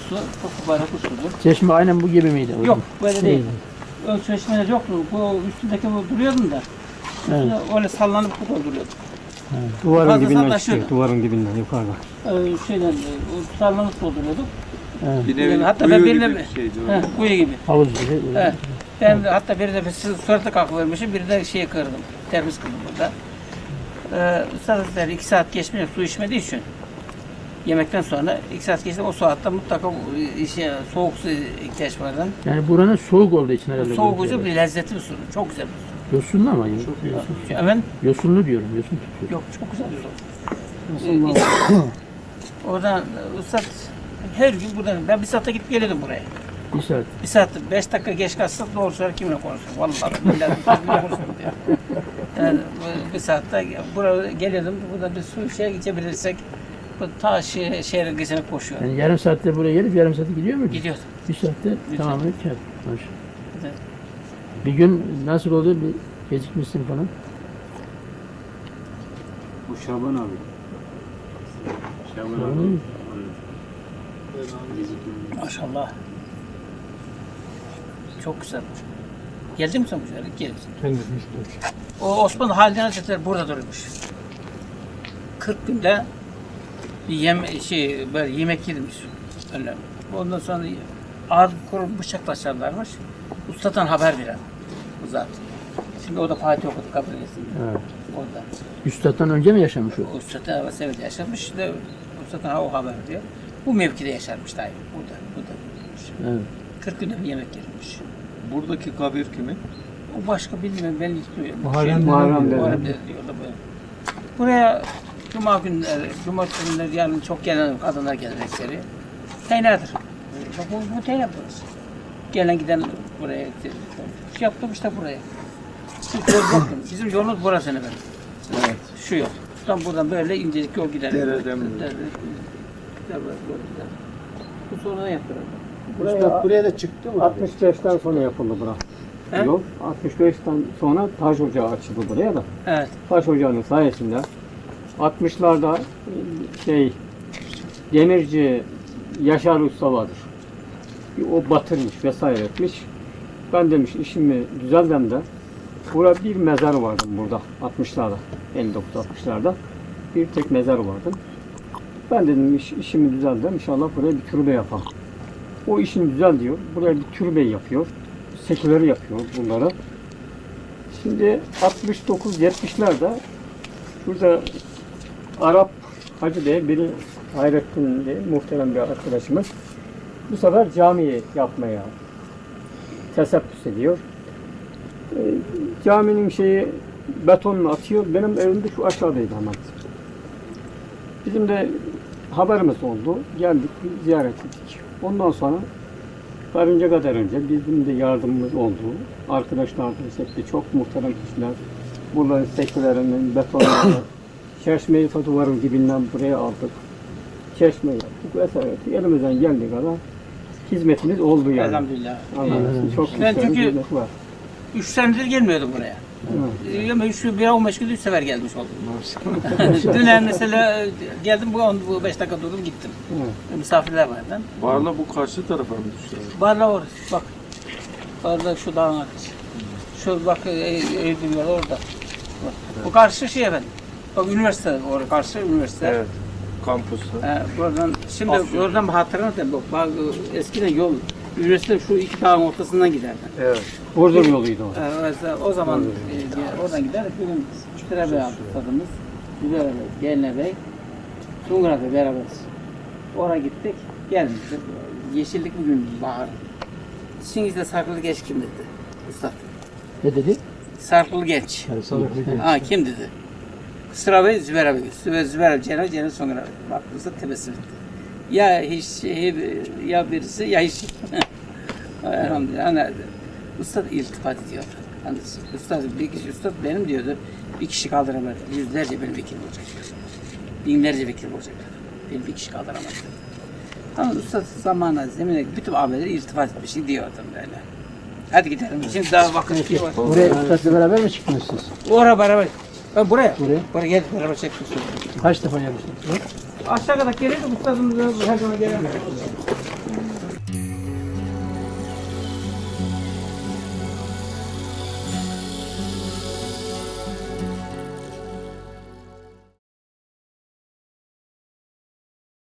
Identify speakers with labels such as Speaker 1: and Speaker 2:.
Speaker 1: su, çok mübarek bir sudur.
Speaker 2: Çeşme aynen bu gibi miydi?
Speaker 1: Yok, böyle değil. Ön çeşmeler yoktu. Bu üstündeki bu duruyordum da.
Speaker 2: Evet.
Speaker 1: Öyle sallanıp bu da duruyordu.
Speaker 2: Evet.
Speaker 3: Duvarın
Speaker 1: Fazla
Speaker 3: dibinden
Speaker 1: sallaşıyordu.
Speaker 3: çıkıyor. Duvarın dibinden yukarıda.
Speaker 1: Şeyden, sallanıp dolduruyorduk.
Speaker 2: Evet.
Speaker 4: Bir nevi
Speaker 1: Yani hatta
Speaker 4: kuyu
Speaker 1: ben
Speaker 4: gibi
Speaker 1: birine,
Speaker 4: bir şeydi o.
Speaker 1: kuyu gibi.
Speaker 2: Havuz gibi.
Speaker 1: Evet. Ben hatta bir de suratı kalkıvermişim, bir de şeyi kırdım. Termiz kırdım burada. Sadece 2 saat geçmeyecek su içmediği için yemekten sonra 2 saat geçti. O saatte mutlaka soğuk su ihtiyaç vardı.
Speaker 2: Yani buranın soğuk olduğu için herhalde.
Speaker 1: Soğuk
Speaker 2: böyle
Speaker 1: ucu bir lezzetli bir su. Çok güzel bir su.
Speaker 2: Yosunlu ama.
Speaker 1: Hemen
Speaker 2: Yosunlu diyorum. Yosun tutuyor.
Speaker 1: yok, çok güzel bir su. Oradan Üstad her gün buradan, ben bir saate gidip geliyordum buraya.
Speaker 2: Bir saat.
Speaker 1: Bir saat, 5 dakika geç kalsak doğru söyler kimle konuşurum. Vallahi billahi kimle konuşurum diyor. Yani bir saatte buraya geliyordum, burada bir su içebilirsek bu ta şehrin geçene koşuyor.
Speaker 2: Yani yarım saatte buraya gelip yarım saatte gidiyor mu?
Speaker 1: Gidiyor.
Speaker 2: Bir saatte tamamını kâr. Maşallah.
Speaker 1: Evet.
Speaker 2: Bir gün nasıl oldu? Bir gecikmişsin falan.
Speaker 3: Bu Şaban abi. Şaban
Speaker 2: Şaban.
Speaker 1: Maşallah. Çok güzel. Geldin mi sen bu şehre? Geldim. O Osmanlı Halide Hazretleri burada durmuş. 40 günde bir böyle yemek yedirmiş önlerine. Ondan sonra ağır kurum bıçakla açarlarmış. Ustadan haber veren bu zat. Şimdi o da Fatih okudu kabilesinde.
Speaker 2: Evet.
Speaker 1: Orada.
Speaker 2: Üstad'dan önce mi yaşamış o?
Speaker 1: Ustadan evet yaşamış. İşte ustadan o haber diyor. Bu mevkide yaşarmış daim. Burada.
Speaker 2: Evet.
Speaker 1: 40 günde bir yemek yedirmiş.
Speaker 4: Buradaki kabir kimin?
Speaker 1: O başka bilmiyorum, ben hiç duyuyorum.
Speaker 3: Muharrem
Speaker 1: Muharrem diyorlar böyle. Buraya Cuma günleri, Cumartesi günleri yarın çok gelen kadınlar gelir ekseri. Teynadır. Bak bu teyna burası. Gelen giden buraya yaptım işte buraya. Hiç yol yoktu. Bizim yolumuz burası efendim.
Speaker 4: Evet.
Speaker 1: Şu yol. Buradan böyle incecik yol gider.
Speaker 4: Dereden mi?
Speaker 1: Bu sonradan yaptılar.
Speaker 3: Buraya da çıktı mı? 65'ten sonra yapıldı bura.
Speaker 1: He?
Speaker 3: Yol 65'ten sonra taş ocağı açıldı buraya da.
Speaker 1: Evet.
Speaker 3: Taş ocağının sayesinde 60'larda demirci Yaşar Usta vardır. O batırmış vesaire etmiş. Ben demiş işimi düzeldim de burada bir mezar vardı burada 60'larda 59-60'larda bir tek mezar vardı. Ben dedim işimi düzeldim inşallah buraya bir türbe yapalım. O işini düzel diyor. Buraya bir türbe yapıyor. Seküleri yapıyor bunları. Şimdi 69-70'lerde şurada Arap Hacı diye biri Hayrettin diye muhterem bir arkadaşımız bu sefer camiyi yapmaya tesebbüs ediyor. Caminin betonunu atıyor. Benim evim de şu aşağıdaydı hemen. Bizim de haberimiz oldu. Geldik, ziyaret ettik. Ondan sonra varınca kadar önce bizim de yardımımız oldu. Arkadaşlar da hepsi çok muhterem kişiler. Bunların sekülerinin, betonlarını, çeşmeyi duvarın dibinden buraya aldık. Çeşme yaptık vesaire. Elimizden geldiği kadar hizmetimiz oldu yani.
Speaker 1: Elhamdülillah.
Speaker 3: Allah'ın çok
Speaker 1: Ben
Speaker 3: muhterem
Speaker 1: çünkü-
Speaker 3: hizmeti var.
Speaker 1: 3 senedir gelmiyordum buraya. Ama 15 gün 3 sefer gelmiş oldum. Dün mesela geldim bu 5 dakika durdum gittim. Misafirler vardı.
Speaker 4: Barla bu karşı tarafa mı düştü?
Speaker 1: Barla orada bak. Barla şu dağın arkası. Şu bak Eylül yolu orada. Bak. Bu karşı efendim. Bak üniversite orada karşı üniversite.
Speaker 4: Evet. Kampüste.
Speaker 1: Buradan şimdi oradan bir hatıra da bak eskiden yol üniversite şu iki dağın ortasından giderdi.
Speaker 4: Evet.
Speaker 3: Burdur yoluydu o.
Speaker 1: Mesela o zaman oradan gider. Bugün Trebey aldık tadımız. Güzel Geline Bey. Sungur Bey beraberiz. Oraya gittik. Gelmiştik. Yeşillik bugün bahar. Çingiz'de Sarkılı Genç kim dedi? Usta.
Speaker 2: Ne dedi?
Speaker 1: Sarkılı Genç. Ha kim dedi? Sıra Bey, Zübeyir Bey. Zübeyir abi, Cenab Sungur abi. Baktığınızda tebessüm etti. Ya hiç ya birisi ya hiç. Elhamdülillah. Hani, Usta iltifat ediyor. Hani, Usta benim diyordu. Bir kişi kaldıramaz. Yüzlerce benim vekil olacak. Binlerce vekil olacak. Benim bir kişi kaldıramaz. Ama usta zamanla zemine bütün abileri iltifat etmiş diyordum böyle. Hadi gidelim. Şimdi daha vakit var.
Speaker 2: Buraya Üstad'la beraber mi çıktınız siz?
Speaker 1: Oraya beraber. Ben buraya.
Speaker 2: Buraya.
Speaker 1: Buraya gel beraber çektik.
Speaker 2: Kaç defa gelmiştiniz?
Speaker 1: Aşağı kadar gelirdik ustadımız her zaman gelir.